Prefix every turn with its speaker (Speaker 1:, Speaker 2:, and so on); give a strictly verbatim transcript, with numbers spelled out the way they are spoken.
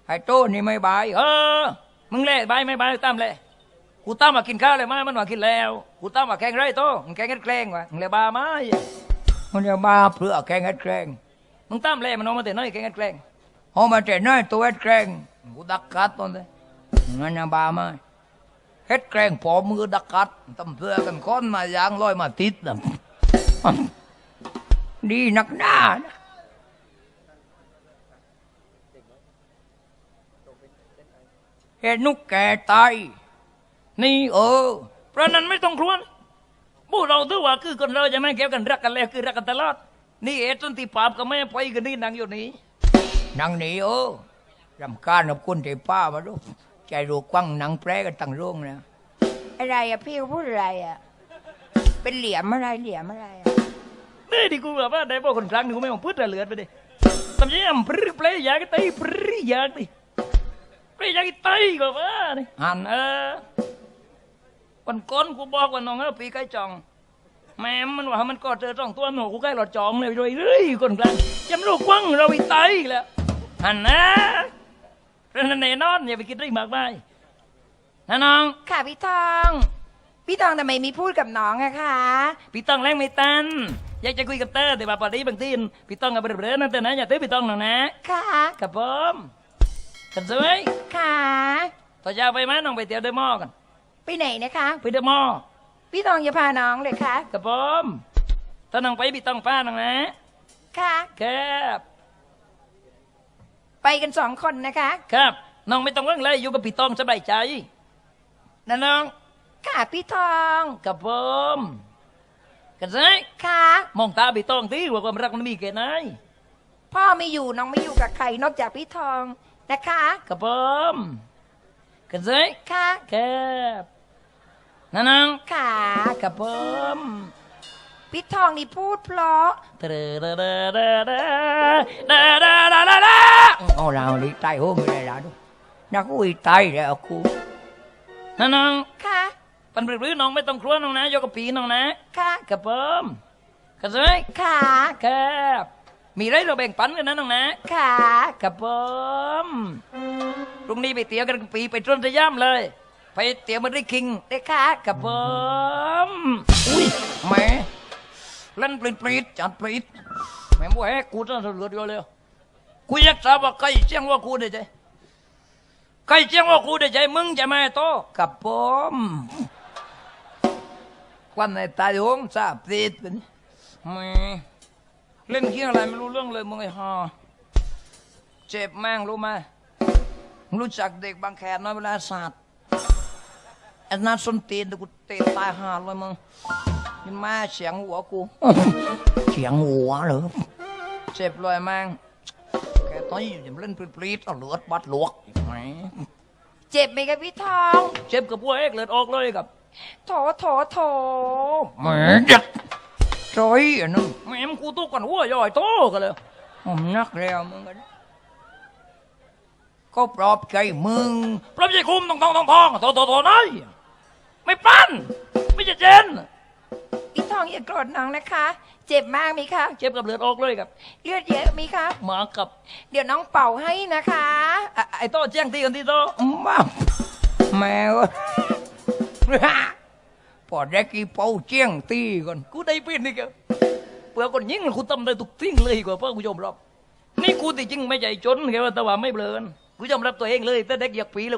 Speaker 1: ไอ้โตนี่ไม่บายเออมึงเล่บายไม่บายตามเล่กูตามมากินข้าวเลยไหมมันว่ากินแล้วกูตามมาแกงไรโตมึงแกงเฮ็ดแกล้งวะมึงเลยบาไหมมันจะบาเพื่อแกงเฮ็ดแกล้งมึงตามเล่มันเอามาแต่น้อยแกงเฮ็ดแกล้งเอามาแต่น้อยตัวเฮ็ดแกล้งกูดักกัดตอนนี้มันจะบาไหมเฮ็ดแกล้งพอมือดักกัดตำเพื่อกันค้อนมายางลอยมาติดนะดีนักหน้านะเห็นนุกแก่ตายนี่เออเพราะนั้นไม่ต้องครวญพวกเราถือว่าคือคนเราจะไม่เกี่ยวกันรักกันแล้วคือรักกันตลอดนี่เอต้นที่ปาบก็ไม่ไปกันนี่นางอยู่นี่นางนี่เออรำคาญกับคนที่ป้ามาดูใจรูกว้างนางแปรกันตั้งร่วงนะอะไรอะพี่พูดอะไรอะเป็นเหลี่ยมอะไรเหลี่ยมอะไรอะนี่ดิกูแบบว่าได้พวกคนครั้งนึงกูไม่มองพูดอะไรเหลือไปดิทำยังไงปลื้มเปลยอยากตีปลื้มอยากดิเปลยอยากตีก็ว่านี่หันเออวันก้นกูบอกว่าน้องเออปีใกล้จองแม่มันว่ามันก็เจอจ้องตัวหนูกูใกล้หลอดจองเลยเลยเรื่อยคนกลางจำลูกกว้างเราไปตายแล้วหันนะเรื่องแน่นอนอย่าไปคิดเรื่องมากมายนะน้องค่ะพี่ทองพี่ทองทำไมมีพูดกับน้องอะคะพี่ทองแรงไม่ตันอยากจะคุยกับเต้แต่ว่าพอดีบางทีพี่ทองกับเบรๆนั่นแต่นะอย่าเต้พี่ทองหน่อยนะค่ะกับผมกันสวยค่ะต่อจะไปไหมน้องไปเที่ยวเดอะมอลล์กันไปไหนนะคะไปเดอะมอลล์พี่ทองจะพาน้องเลยค่ะกับผมถ้าน้องไปพี่ทองพาน้องนะค่ะครับไปกันสองคนนะคะครับน้องไม่ต้องเรื่องอะไรอยู่กับพี่ทองสบายใจนะน้องค่ะพี่ทองกับผมกันสิค่ะมองตาพี่ทองที่ว่าความรักมันมีแค่ไหนพ่อไม่อยู่น้องไม่อยู่กับใครนอกจากพี่ทองนะคะกับผมกันสิค่ะครับนะน้องค่ะกับผมพี่ทองนี่พูดเพราะเดอเดอเดอเดอเดอเดอเดอเดอเดอเอาเราลีตายโหไม่ได้แล้วนักอุ้ยตายแล้วกูนะน้องค่ะปันปรื้อน้องไม่ต้องครัวน้องนะยกกับปีน้องนะค่ะกับผมกันสิค่ะครับมีไรเราแบ่งปันกันนะน้องนะค่ะกับผมพรุ่งนี้ไปเตี๋ยวกันกับปีไปต้นสยามเลยไปเตี๋ยวมันได้คิงได้ค่ะกับผมอุ้ยแม่เล่นปริดปริดจัดปริดแม่บัวแฮกูจะเหลือเดียวเลยกูอยากทราบว่าใครเจียงว่ากูได้ใจใครเจียงว่ากูได้ใจมึงจะมาโตกับผมควันในตาโยงทราบติดเป็นแม่เล่นเกี่ยงอะไรไม่รู้เรื่องเลยมึงไอ้ห่าเจ็บแม่งรู้ไหมรู้จักเด็กบางแขนน้อยเวลาศาสตร์ไอ้นัดส้นตีนกูเตะตายห่าเลยมึงนี่มาเสียงหัวกูเสียงหัวเหรอเจ็บเลยแม่งแกต้อยอย่าเล่นปรีดเอาเลือดบัดลวกไหมเจ็บไหมครับพี่ทองเจ็บกับพวกเอ็กเลือดออกเลยกับโถโถโถแม่เด็กจอยอันนึงแม่มกูตู้กันหัวย่อยโตกันเลยผมนักแล้วมึงกันก็ปลอบใจมึงปลอบใจคุมทองทองทองทองโถโถโถน้อยไม่ปั้นไม่จะเจนพี่ทองอย่าโกรธน้องนะคะเจ็บมากมีคะเจ็บกับเลือดออกเลยครับเลือดเยอะมีคะมากับเดี๋ยวน้องเป่าให้นะคะไอ้โต้แจ้งตีกันที่โต้มาแมวพอได้กี่เป่าแจ้งตีก่อนกูได้เป็นนี่แกเผื่อคนยิงกูทำได้ทุกทิ้งเลยกว่าเพื่อกูยอมรับนี่กูที่จริงไม่ใจจนแค่ว่าแต่ว่าไม่เบลอกูยอมรับตัวเองเลยแต่เด็กอยากปี